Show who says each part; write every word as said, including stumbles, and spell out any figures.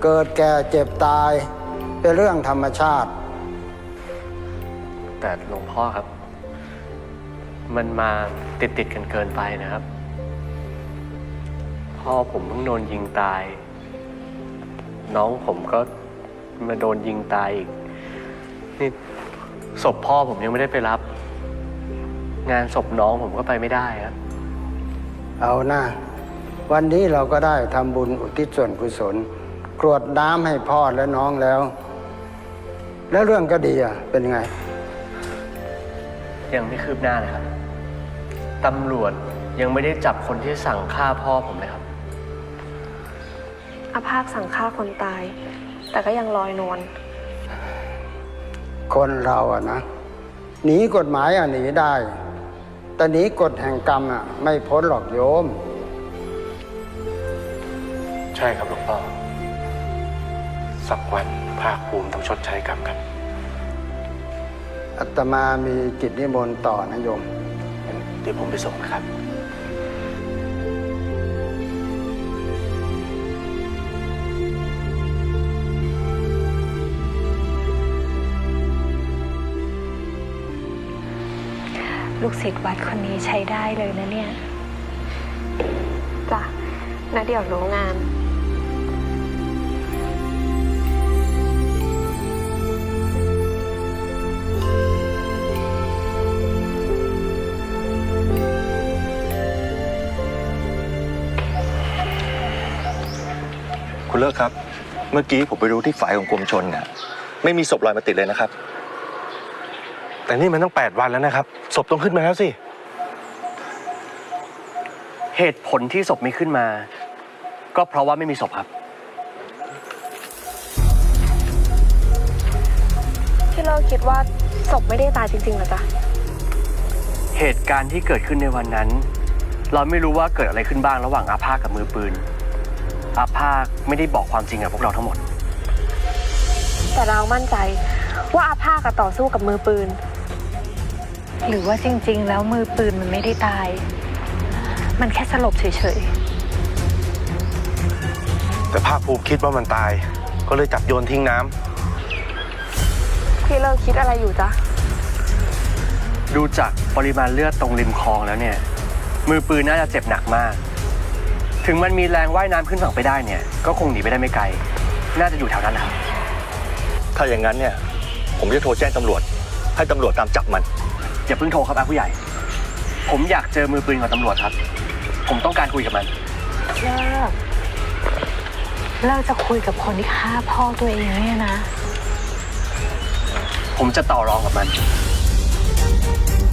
Speaker 1: เกิดแก่เจ็บตายเป็นเรื่องธรรมชาติ
Speaker 2: แต่หลวงพ่อครับมันมาติดติดกันเกินไปนะครับพ่อผมเพิ่งโดนยิงตายน้องผมก็มาโดนยิงตายอีกนี่ศพพ่อผมยังไม่ได้ไปรับงานศพน้องผมก็ไปไม่ได้ครับ
Speaker 1: เอาหน้าวันนี้เราก็ได้ทำบุญอุทิศส่วนกุศลกรวดน้ำให้พ่อและน้องแล้วแล้วเรื่องก็ดีอ่ะเป็นไง
Speaker 2: ยังไม่คืบหน้าเลยครับตำรวจยังไม่ได้จับคนที่สั่งฆ่าพ่อผมเลยครับ
Speaker 3: อาภาคสั่งฆ่าคนตายแต่ก็ยังลอยนวล
Speaker 1: คนเราอะนะหนีกฎหมายอะหนีได้แต่หนีกฎแห่งกรรมอะไม่พ้นหรอกโยม
Speaker 4: ใช่ครับหลวงพ่อสักวันภาคภูมิต้องชดใช้กรรมครับ
Speaker 1: อาตมามีกิจนิมนต์ต่อนะโยม
Speaker 4: เดี๋ยวผมไปส่งนะครับ
Speaker 5: ลูกศิษย์วัดคนนี้ใช้ได้เลยนะเนี่ย
Speaker 3: จ้ะนะเดี๋ยวรู้งาน
Speaker 6: คุณเลิกครับเมื่อกี้ผมไปดูที่ฝ่ายของกรมชลเนี่ยไม่มีศพลอยมาติดเลยนะครับ
Speaker 4: แต่นี่มันต้องแปดวันแล้วนะครับศพต้องขึ้นมาแล้วสิ
Speaker 2: เหตุผลที่ศพไม่ขึ้นมาก็เพราะว่าไม่มีศพครับ
Speaker 3: ที่เราคิดว่าศพไม่ได้ตายจริงๆเหรอจ๊ะ
Speaker 2: เหตุการณ์ที่เกิดขึ้นในวันนั้นเราไม่รู้ว่าเกิดอะไรขึ้นบ้างระหว่างอาภาคกับมือปืนอาภาคไม่ได้บอกความจริงกับพวกเราทั้งหมด
Speaker 3: แต่เรามั่นใจว่าอาภาคต่อสู้กับมือปืน
Speaker 5: หรือว่าจริงๆแล้วมือปืนมันไม่ได้ตายมันแค่สลบเฉย
Speaker 4: ๆแต่ภาคภูมิคิดว่ามันตายก็เลยจับโยนทิ้งน้
Speaker 3: ำพี่เลิกคิดอะไรอยู่จ๊ะ
Speaker 2: ดูจากปริมาณเลือดตรงริมคลองแล้วเนี่ยมือปืนน่าจะเจ็บหนักมากถึงมันมีแรงว่ายน้ำขึ้นฝั่งไปได้เนี่ยก็คงหนีไปได้ไม่ไกลน่าจะอยู่แถวนั้นแหละครับ
Speaker 6: ถ้าอย่างนั้นเนี่ยผมจะโทรแจ้งตำรวจให้ตำรวจตามจับมัน
Speaker 2: อย่าเพิ่งโทรครับอาผู้ใหญ่ผมอยากเจอมือปืนกับตำรวจครับผมต้องการคุยกับมัน
Speaker 5: เลิกเลิกจะคุยกับคนที่ฆ่าพ่อตัวเองเนี่ยนะ
Speaker 2: ผมจะต่อรองกับมัน